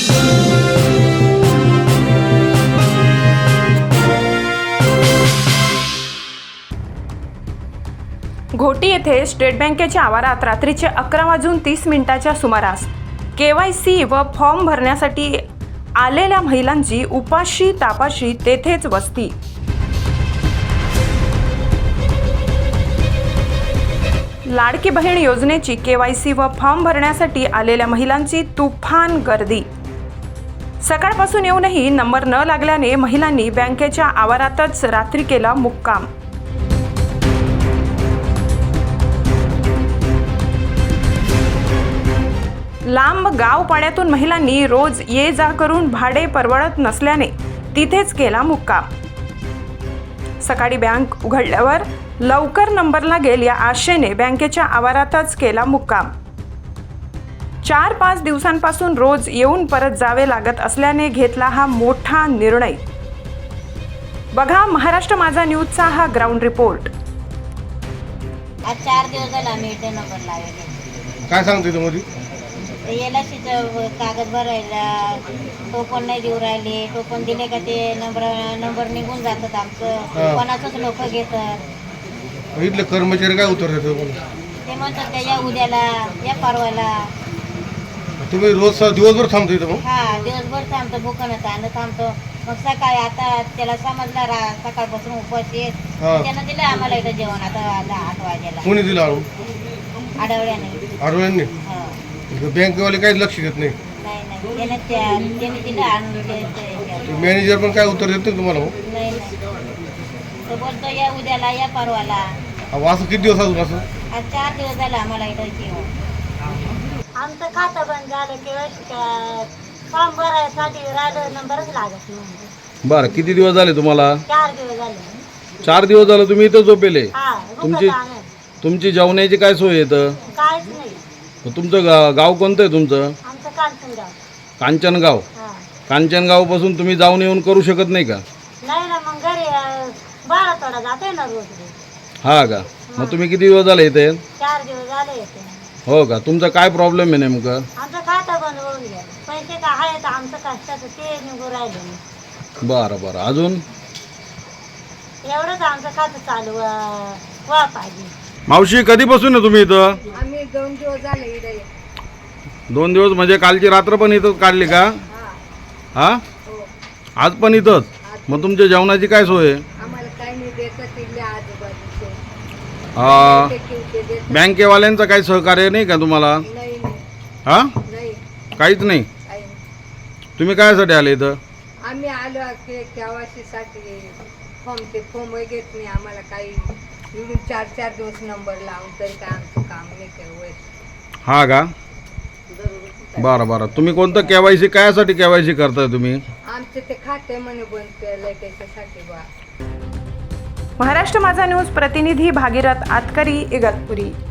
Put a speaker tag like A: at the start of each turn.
A: घोटी येथे स्टेट बँकेच्या आवारात रात्रीचे 11:30 सुमारास KYC व फॉर्म भरण्यासाठी आलेल्या महिलांची उपाशी तापाशी तेथेच वस्ती। लाडकी बहीण योजनेची KYC व फॉर्म भरण्यासाठी आलेल्या महिलांची तुफान गर्दी। सकाळपासून येऊनही नंबर न लागल्याने महिलांनी बँकेच्या आवारातच रात्री केला मुक्काम। लांब गाव पाड्यातून महिलांनी रोज ये जा करून भाडे परवडत नसल्याने तिथेच केला मुक्काम। सकाळी बँक उघडल्यावर लवकर नंबर लागेल या आशेने बँकेच्या आवारातच केला मुक्काम। 4-5 दिवसांपासून रोज येऊन परत जावे लागत असल्याने घेतला हा मोठा निर्णय। बघा महाराष्ट्र माझा न्यूजचा हा ग्राउंड रिपोर्ट।
B: आज 4 दिवस झाला मी इथे नंबर लावले।
C: काय सांगते तुम्ही?
B: एलआयसीचं कागद भरायला टोकन नाही देऊ राहिले। टोकन दिले का ते नंबर निघून जातात आमचं, कोणाचंच लोक घेतात।
C: इथले कर्मचारी काय उत्तर देतात?
B: ते म्हणतात त्या या उद्याला या परवाला।
C: तुम्ही रोज दिवसभर थांबतो इथं?
B: हा, दिवसभर थांबतो, भुकणं ताणं थांबतो। मग सकाळी आता त्याला समजला सकाळपासून उपाशी आहेत, त्यानं दिलं आम्हाला इथं जेवण आता 8 वाजेला।
C: कोणी दिलं?
B: आठवड्याने।
C: बँकेवाले काहीच लक्ष घेत नाही?
B: नाही, त्याने दिलं आणून।
C: मॅनेजर पण काय उत्तर देत नाही तुम्हाला?
B: नाही, तो बोलतो या उद्याला या परवाला।
C: असं किती दिवस अजून असं?
B: आज 4 दिवस झाले आम्हाला इथं जेवण। आमचं खातं बंद झालं किंवा फॉर्म भरायसाठी राहिलं नंबरच लागत नाही।
D: बरं, किती दिवस झाले तुम्हाला?
B: 4 दिवस झाले।
D: 4 दिवस झाले तुम्ही इथं झोपेले?
B: तुमची
D: तुमची जेवणाची काय सोय येतं?
B: काहीच नाही।
D: तुमचं गाव कोणतं आहे तुमचं?
B: आमचं कांचनगाव।
D: कांचनगाव? कांचनगाव पासून तुम्ही जाऊन येऊन करू शकत नाही का?
B: नाही ना, मग घरी 12 तोडा जाते ना रोज।
D: हा का? मग तुम्ही किती दिवस झाले इथे?
B: 4 दिवस झाले इथे।
D: हो का? तुमचं काय प्रॉब्लेम आहे नेमकं?
B: आमचं खातं बंद होऊन गेलं, पैसे काय आहेत आमचं कष्टाचं ते निघून राहिले।
D: बरं बरं, अजून?
B: एवढंच आमचं खातं चालू व्हा पाहिजे।
D: मावशी, कधीपासून आहे तुम्ही इथं?
B: आम्ही 2 दिवस झाले इथे।
D: 2 दिवस म्हणजे कालची रात्र पण इथंच काढली का? हा, आज पण इथंच? मग तुमच्या जेवणाची काय सोय आहे?
B: आम्हाला काही नाही देत तिथल्या आजूबाजूचे।
D: बँकेवाल्यांचं काही सहकार्य नाही का तुम्हाला?
B: नाही
D: हा,
B: नाही,
D: काहीच नाही? तुम्ही कायसाठी आले इथं?
B: आम्ही आलो KYC साठी। फॉर्म घेत नाही आम्हाला काही। 4 दिवस नंबर लावून तरी काय आमचं काम नाही केलं।
D: हा का? बरं बरं, तुम्ही कोणतं KYC कायसाठी KYC करताय तुम्ही?
B: आमचे ते खाते म्हणे बंद केलंय त्याच्यासाठी बा।
A: महाराष्ट्र माझा न्यूज प्रतिनिधी भागीरथ आतकरी, इगतपुरी।